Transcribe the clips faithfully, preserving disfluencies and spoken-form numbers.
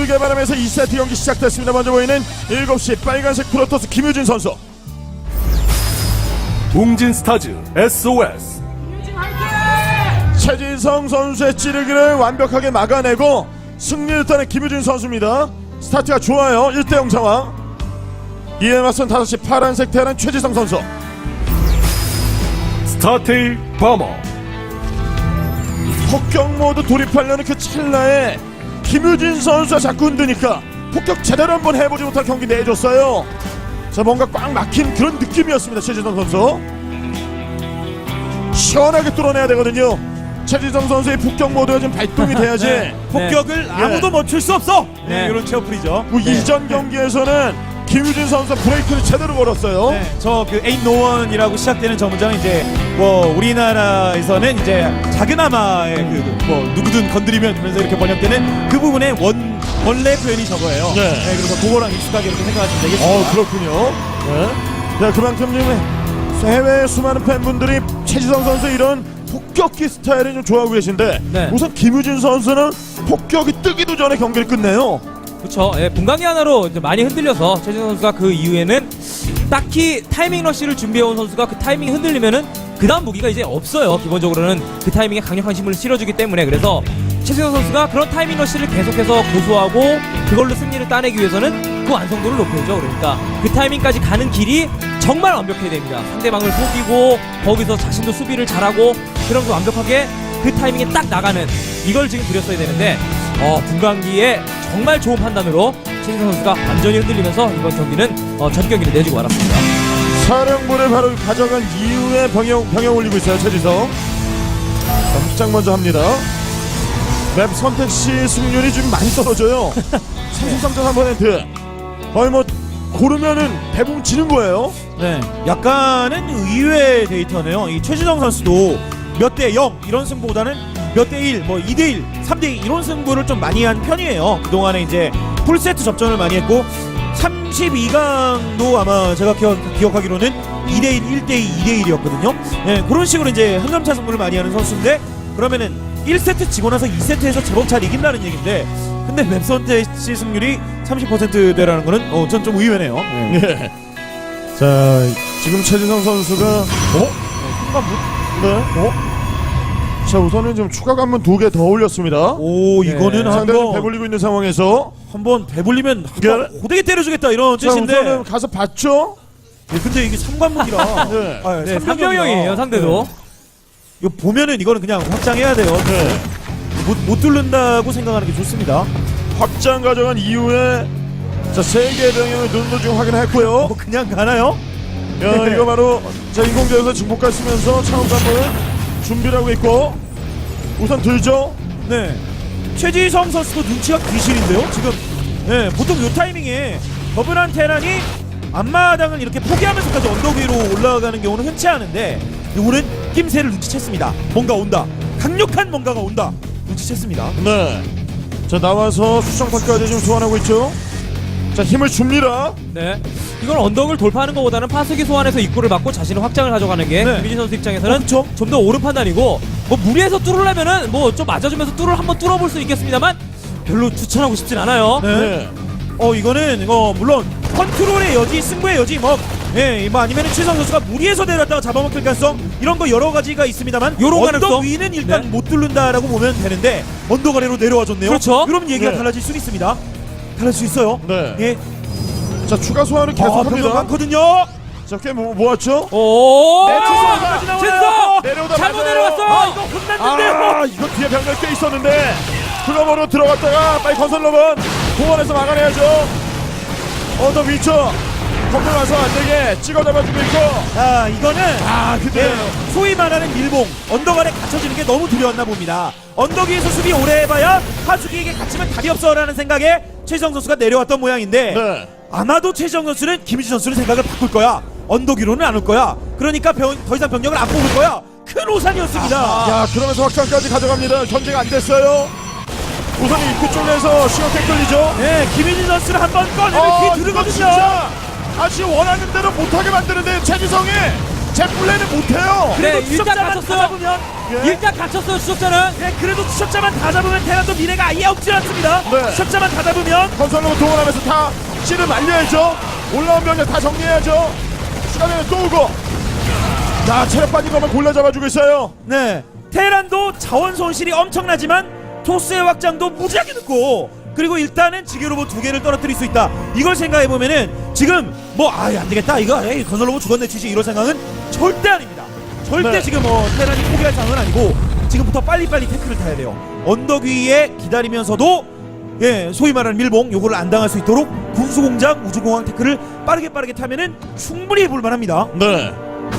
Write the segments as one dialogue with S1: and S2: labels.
S1: 이기길 바라면서 이 세트 경기 시작됐습니다. 먼저 보이는 일곱 시 빨간색 프로토스 김유진 선수.
S2: 웅진 스타즈 에스오에스.
S1: 최지성 선수의 찌르기를 완벽하게 막아내고 승리를 따낸 김유진 선수입니다. 스타트가 좋아요. 일 대 영 상황. 이에 맞선 다섯 시 파란색 테란 최지성 선수.
S2: 스타테일 버머.
S1: 폭격 모드 돌입하려는 그 찰나에 김유진 선수가 자꾸 흔드니까 폭격 제대로 한번 해보지 못한 경기 내줬어요. 자, 뭔가 꽉 막힌 그런 느낌이었습니다. 최지성 선수 시원하게 뚫어내야 되거든요. 최지성 선수의 폭격 모드가 좀 발동이 돼야지.
S3: 네. 폭격을
S1: 네.
S3: 아무도 멈출 수 없어. 네.
S1: 네.
S3: 이런 체어풀이죠.
S1: 그 이전 경기에서는 김유진 선수 브레이크를 제대로 걸었어요.
S3: 네, 저그 Ain't No One이라고 시작되는 저 문장은 이제 뭐 우리나라에서는 이제 작은 아마의 그 뭐 누구든 건드리면 이러면서 이렇게 번역되는 그 부분의 원 원래 표현이 저거예요.
S1: 네.
S3: 네, 그래서 그거랑 익숙하게 이렇게 생각하시면 되겠습니다.
S1: 어, 그렇군요. 네. 자, 그만큼 지금 해외 수많은 팬분들이 최지성 선수 이런 폭격기 스타일을 좀 좋아하고 계신데
S4: 네.
S1: 우선 김유진 선수는 폭격이 뜨기도 전에 경기를 끝내요.
S4: 그렇죠. 예, 분광기 하나로 이제 많이 흔들려서 최진성 선수가 그 이후에는 딱히 타이밍 러쉬를 준비해온 선수가 그 타이밍이 흔들리면은 그 다음 무기가 이제 없어요. 기본적으로는 그 타이밍에 강력한 힘을 실어주기 때문에. 그래서 최진성 선수가 그런 타이밍 러쉬를 계속해서 고수하고 그걸로 승리를 따내기 위해서는 그 완성도를 높여야죠. 그러니까 그 타이밍까지 가는 길이 정말 완벽해야 됩니다. 상대방을 속이고 거기서 자신도 수비를 잘하고 그러면서 완벽하게 그 타이밍에 딱 나가는 이걸 지금 그렸어야 되는데 어, 분광기에 정말 좋은 판단으로 최진성 선수가 완전히 흔들리면서 이번 경기는 어, 전 경기를 내주고 말았습니다.
S1: 사령부를 바로 가져간 이후에 병영, 병영 올리고 있어요. 최지성. 자, 확장 먼저 합니다. 맵 선택 시 승률이 좀 많이 떨어져요. 삼십삼 점 삼 퍼센트. 거의 뭐 고르면은 대부분 지는 거예요.
S3: 네, 약간은 의외의 데이터네요. 이 최지성 선수도 몇 대 영 이런 승부보다는 몇 대 일, 뭐 이 대 일, 삼 대 이 이런 승부를 좀 많이 한 편이에요. 그동안에 이제 풀세트 접전을 많이 했고 삼십이 강도 아마 제가 기억, 기억하기로는 이 대 일, 일 대 이, 이 대 일이었거든요. 네, 그런 식으로 이제 한점차 승부를 많이 하는 선수인데 그러면은 일 세트 지고 나서 이 세트에서 제법 잘 이긴다는 얘기인데 근데 맵 선택시 승률이 삼십 퍼센트대라는 거는 어, 전 좀 의외네요. 네.
S1: 네. 자, 지금 최진성 선수가 어?
S3: 순간부?
S1: 네. 어? 자, 우선은 좀 추가 관문 두 개 더 올렸습니다.
S3: 오, 이거는
S4: 네.
S1: 상대를
S3: 한번
S1: 배불리고 있는 상황에서
S3: 한번 배불리면
S1: 네.
S3: 호되게 때려주겠다 이런
S1: 자,
S3: 뜻인데.
S1: 우선은 가서 봤죠?
S3: 네, 근데 이게 삼관문이라.
S1: 네.
S3: 아,
S4: 네,
S3: 삼
S4: 삼 병영이에요 상대도.
S3: 이거 보면은 이거는 그냥 확장해야 돼요.
S1: 네.
S3: 못, 못 뚫는다고 생각하는 게 좋습니다.
S1: 확장 가져간 이후에 자, 세 개의 병영을 눈도 좀 확인했고요.
S3: 뭐 그냥 가나요?
S1: 야, 이거 바로 자, 인공지에서 증폭가 쓰면서 차원 관문 준비를 하고 있고 우선 들죠?
S3: 네. 최지성 선수도 눈치가 귀신인데요. 지금 네, 보통 요 타이밍에 더블한 테란이 앞마당을 이렇게 포기하면서까지 언덕 위로 올라가는 경우는 흔치 않은데 요거는 낌새를 눈치챘습니다. 뭔가 온다. 강력한 뭔가가 온다. 눈치챘습니다.
S1: 네. 자, 나와서 수정탑까지 지금 소환하고 있죠? 자, 힘을 줍니다.
S4: 네. 이건 언덕을 돌파하는 것보다는 파수기 소환해서 입구를 막고 자신의 확장을 가져가는 게
S3: 네.
S4: 김민진 선수 입장에서는
S3: 그렇죠.
S4: 좀 더 옳은 판단이고 뭐 무리해서 뚫으려면은 뭐 좀 맞아주면서 뚫을 한번 뚫어볼 수 있겠습니다만 별로 추천하고 싶진 않아요.
S3: 네.
S1: 네.
S3: 어 이거는 이거 물론 컨트롤의 여지, 승부의 여지 뭐 예, 뭐 아니면은 최성 선수가 무리해서 내렸다가 잡아먹힐 가능성 이런 거 여러 가지가 있습니다만
S4: 요런
S3: 언덕
S4: 가능성?
S3: 위는 일단
S4: 네.
S3: 못 뚫는다라고 보면 되는데 언덕 아래로 내려와 줬네요.
S4: 그렇죠.
S3: 그럼 얘기가
S1: 네.
S3: 달라질 수 있습니다. 달라질 수 있어요.
S1: 네.
S3: 예.
S1: 자, 추가 소환을
S3: 아, 병력
S1: 계속합니다.
S3: 많거든요.
S1: 자, 꽤 모, 모았죠?
S4: 오!
S3: 네, 최성까지 나와요.
S4: 최성!
S1: 내려오다
S4: 잘못
S1: 맞아요.
S4: 내려왔어!
S3: 아, 이거 혼났는데요.
S1: 아, 이거 뒤에 병력 꽤 있었는데 클럽으로 들어갔다가 빨리 건설로만 공원에서 막아내야죠. 언덕 위쳐 건물 와서 안되게 찍어 잡아주고 있고.
S3: 자, 이거는
S1: 아, 근데
S3: 예, 소위 말하는 밀봉 언덕 아래 갇혀지는 게 너무 두려웠나 봅니다. 언덕 위에서 수비 오래 해봐야 하수기에게 갇히면 답이 없어라는 생각에 최지성 선수가 내려왔던 모양인데
S1: 네.
S3: 아마도 최지성 선수는 김유진 선수는 생각을 바꿀 거야. 언덕 위로는 안 올 거야. 그러니까 병, 더 이상 병력을 안 뽑을 거야. 큰 오산이었습니다.
S1: 야, 그러면서 확장까지 가져갑니다. 견제가 안 됐어요. 우선 입구 쪽에서 시간꽤 끌리죠.
S3: 네, 김유진 선수를 한번 꺼내면
S1: 어,
S3: 뒤
S1: 이거
S3: 두르거든요.
S1: 진짜 다시 원하는 대로 못하게 만드는데 최지성이 제 플레이는 못해요.
S4: 그래,
S3: 그래도
S4: 일단
S3: 추적자만
S4: 갇혔어요.
S3: 찾아보면
S1: 예.
S4: 일단 갇혔어요 추적자는.
S3: 네, 그래도 추적자만 다 잡으면 테란도 미래가 아예 없지 않습니다.
S1: 네.
S3: 추적자만 다 잡으면
S1: 건설로 동원하면서 다 씨를 말려야죠. 올라온 병력 다 정리해야죠. 시간에는 또 오고. 자, 체력 빠진 것만 골라 잡아주고 있어요.
S3: 네, 테란도 자원 손실이 엄청나지만 토스의 확장도 무지하게 늦고, 그리고 일단은 지게 로봇 두 개를 떨어뜨릴 수 있다. 이걸 생각해 보면은 지금 뭐 아예 안 되겠다 이거 에이, 건설 로봇 죽었네 치지 이런 생각은 절대 아닙니다. 절대
S1: 네.
S3: 지금 뭐 테란이 포기할 상황은 아니고 지금부터 빨리빨리 태클을 타야 돼요. 언덕 위에 기다리면서도 예 소위 말하는 밀봉 요거를 안 당할 수 있도록 군수공장 우주공항 태클을 빠르게 빠르게 타면은 충분히 해볼만합니다.
S1: 네.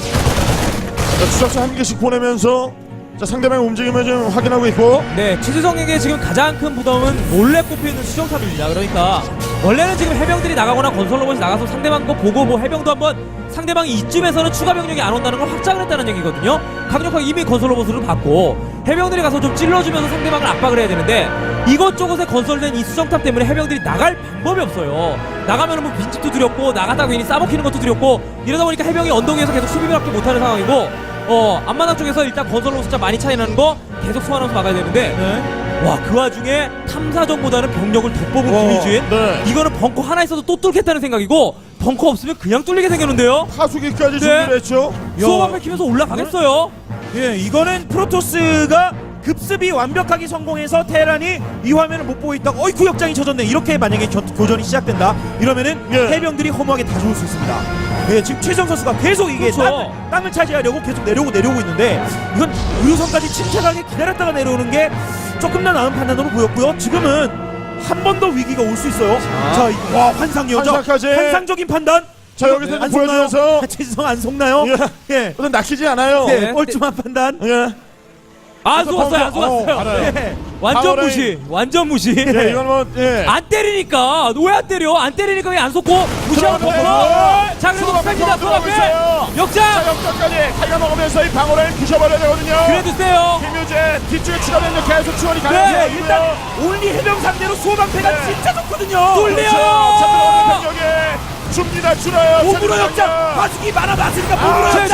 S1: 자, 추적자 한 개씩 보내면서 자, 상대방의 움직임을 좀 확인하고 있고.
S4: 네, 최지성에게 지금 가장 큰 부담은 몰래 꼽혀있는 수정탑입니다. 그러니까 원래는 지금 해병들이 나가거나 건설 로봇이 나가서 상대방 거 보고 뭐 해병도 한번 상대방이 이쯤에서는 추가 병력이 안 온다는 걸 확장을 했다는 얘기거든요. 강력하게 이미 건설 로봇을 받고 해병들이 가서 좀 찔러주면서 상대방을 압박을 해야 되는데 이것저것에 건설된 이 수정탑 때문에 해병들이 나갈 방법이 없어요. 나가면은 뭐 빈집도 두렵고 나가다가 괜히 싸먹히는 것도 두렵고 이러다 보니까 해병이 언덕 위에서 계속 수비밖에 못하는 상황이고 어 앞마당 쪽에서 일단 건설 로봇 숫자 많이 차이 나는 거 계속 소환하면서 막아야 되는데
S3: 네.
S4: 와 그 와중에 탐사전보다는 병력을 더 뽑은
S1: 와,
S4: 김유진
S1: 네.
S4: 이거는 벙커 하나 있어도 또 뚫겠다는 생각이고 벙커 없으면 그냥 뚫리게 생겼는데요.
S1: 파수기까지
S4: 네.
S1: 준비를 했죠.
S4: 수호만 밝히면서 올라가겠어요.
S3: 예, 이거는 프로토스가 급습이 완벽하게 성공해서 테란이 이 화면을 못 보고 있다가 어이 구역장이 쳐졌네 이렇게 만약에 겨, 교전이 시작된다 이러면은
S1: 예.
S3: 해병들이 허무하게 다 죽을 수 있습니다. 예, 지금 최정 선수가 계속 이게
S4: 그렇죠.
S3: 땅을, 땅을 차지하려고 계속 내려오고 내려오고 있는데 이건 의료선까지 침착하게 기다렸다가 내려오는 게 조금 더 나은 판단으로 보였고요. 지금은 한 번 더 위기가 올 수 있어요. 자, 이- 와 환상이었죠.
S1: 환상까지.
S3: 환상적인 판단.
S1: 자, 여기서
S3: 안
S1: 이제 보여주면서
S3: 속나요? 최지성 안 속나요?
S1: 예.
S3: 예.
S1: 어떤 낚이지 않아요.
S3: 예,
S4: 네.
S3: 뻘쭘한 판단.
S1: 예.
S4: 안 속았어요, 안
S1: 어,
S4: 속았어요.
S1: 알아요.
S3: 예.
S4: 완전
S1: 파워레인.
S4: 무시, 완전 무시.
S1: 예, 이건 뭐 예.
S4: 안 때리니까 왜 안 때려? 안 때리니까 왜 안 속고 무시하고
S1: 들어가네.
S4: 벙커. 자 그래도
S1: 수호가
S4: 니다
S1: 벙커 들어가고
S4: 수호앞에
S1: 있어요. 자,
S4: 역장.
S1: 역전까지 타이가 먹으면서 이 방어를 부셔버려야 되거든요.
S4: 그래도 세요.
S1: 김유진 뒤쪽에 추가되는 계속 지원이
S3: 네,
S1: 가능해요.
S3: 일단 올리 해병 상대로 수호방패가
S1: 네.
S3: 진짜 좋거든요.
S4: 뚫려요.
S1: 자, 들어오는 병력에 줍니다. 줄어요.
S3: 몸으로
S1: 자,
S3: 역장.
S1: 병력.
S3: 파수기 많아봤으니까
S1: 아,
S3: 몸으로 역장.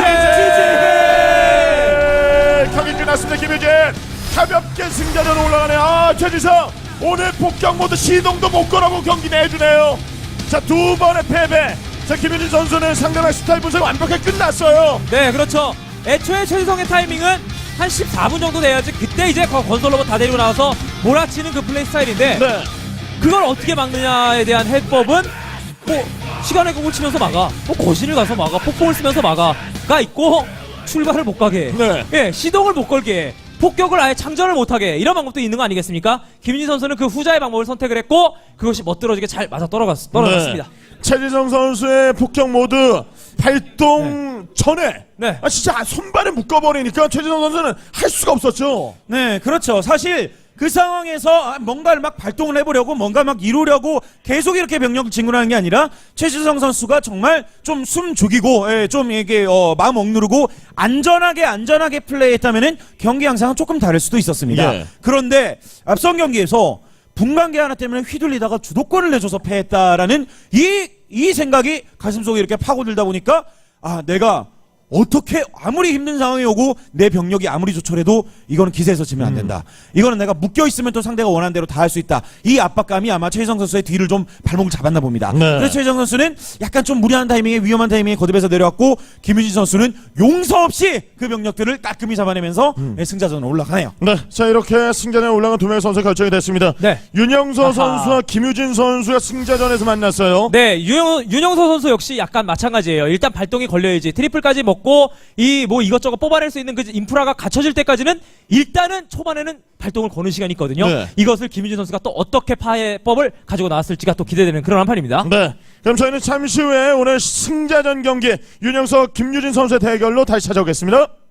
S1: 최재! 경기 끝났습니다. 김유진 가볍게 승자전으로 올라가네요. 아, 최지성 오늘 폭격 모드 시동도 못 걸어고 경기 내주네요. 자, 두 번의 패배. 자, 김유진 선수는 상대방 스타일 분석 완벽하게 끝났어요.
S4: 네, 그렇죠. 애초에 최지성의 타이밍은 한 십사 분 정도 돼야지 그때 이제 거- 건설 로봇 다 데리고 나와서 몰아치는 그 플레이 스타일인데
S1: 네.
S4: 그걸 어떻게 막느냐에 대한 해법은 뭐 시간의 공을 치면서 막아, 뭐 거신을 가서 막아, 폭풍을 쓰면서 막아가 있고 출발을 못 가게,
S1: 네.
S4: 예, 시동을 못 걸게, 폭격을 아예 창전을 못하게 이런 방법도 있는 거 아니겠습니까? 김윤진 선수는 그 후자의 방법을 선택을 했고 그것이 멋들어지게 잘 맞아 떨어갔, 떨어졌습니다.
S1: 네. 최지성 선수의 폭격 모드 발동 전에
S4: 네.
S1: 아, 진짜 손발에 묶어버리니까 최지성 선수는 할 수가 없었죠.
S3: 네, 그렇죠. 사실 그 상황에서 아, 뭔가를 막 발동을 해보려고 뭔가 막 이루려고 계속 이렇게 병력을 진군하는 게 아니라 최지성 선수가 정말 좀 숨 죽이고 예, 좀 이게 어, 마음 억누르고 안전하게 안전하게 플레이했다면은 경기 양상은 조금 다를 수도 있었습니다.
S1: 예.
S3: 그런데 앞선 경기에서 분광기 하나 때문에 휘둘리다가 주도권을 내줘서 패했다라는 이, 이 생각이 가슴속에 이렇게 파고들다 보니까 아 내가 어떻게 아무리 힘든 상황이 오고 내 병력이 아무리 조촐해도 이거는 기세에서 지면 안 된다. 이거는 내가 묶여 있으면 또 상대가 원하는 대로 다 할 수 있다. 이 압박감이 아마 최희성 선수의 뒤를 좀 발목을 잡았나 봅니다.
S1: 네.
S3: 그래서 최희성 선수는 약간 좀 무리한 타이밍에 위험한 타이밍에 거듭해서 내려왔고 김유진 선수는 용서 없이 그 병력들을 깔끔히 잡아내면서 승자전으로 올라가네요.
S1: 네, 자 이렇게 승자전에 올라간 두 명의 선수 결정이 됐습니다.
S4: 네.
S1: 윤영서
S4: 아하.
S1: 선수와 김유진 선수가 승자전에서 만났어요.
S4: 네, 윤영, 윤영서 선수 역시 약간 마찬가지예요. 일단 발동이 걸려야지 트리플까지 먹고 이 뭐 이것저것 뽑아낼 수 있는 그 인프라가 갖춰질 때까지는 일단은 초반에는 발동을 거는 시간이 있거든요.
S1: 네.
S4: 이것을 김윤진 선수가 또 어떻게 파해법을 가지고 나왔을지가 또 기대되는 그런 한판입니다.
S1: 네, 그럼 저희는 잠시 후에 오늘 승자전 경기 윤영서 김유진 선수의 대결로 다시 찾아오겠습니다.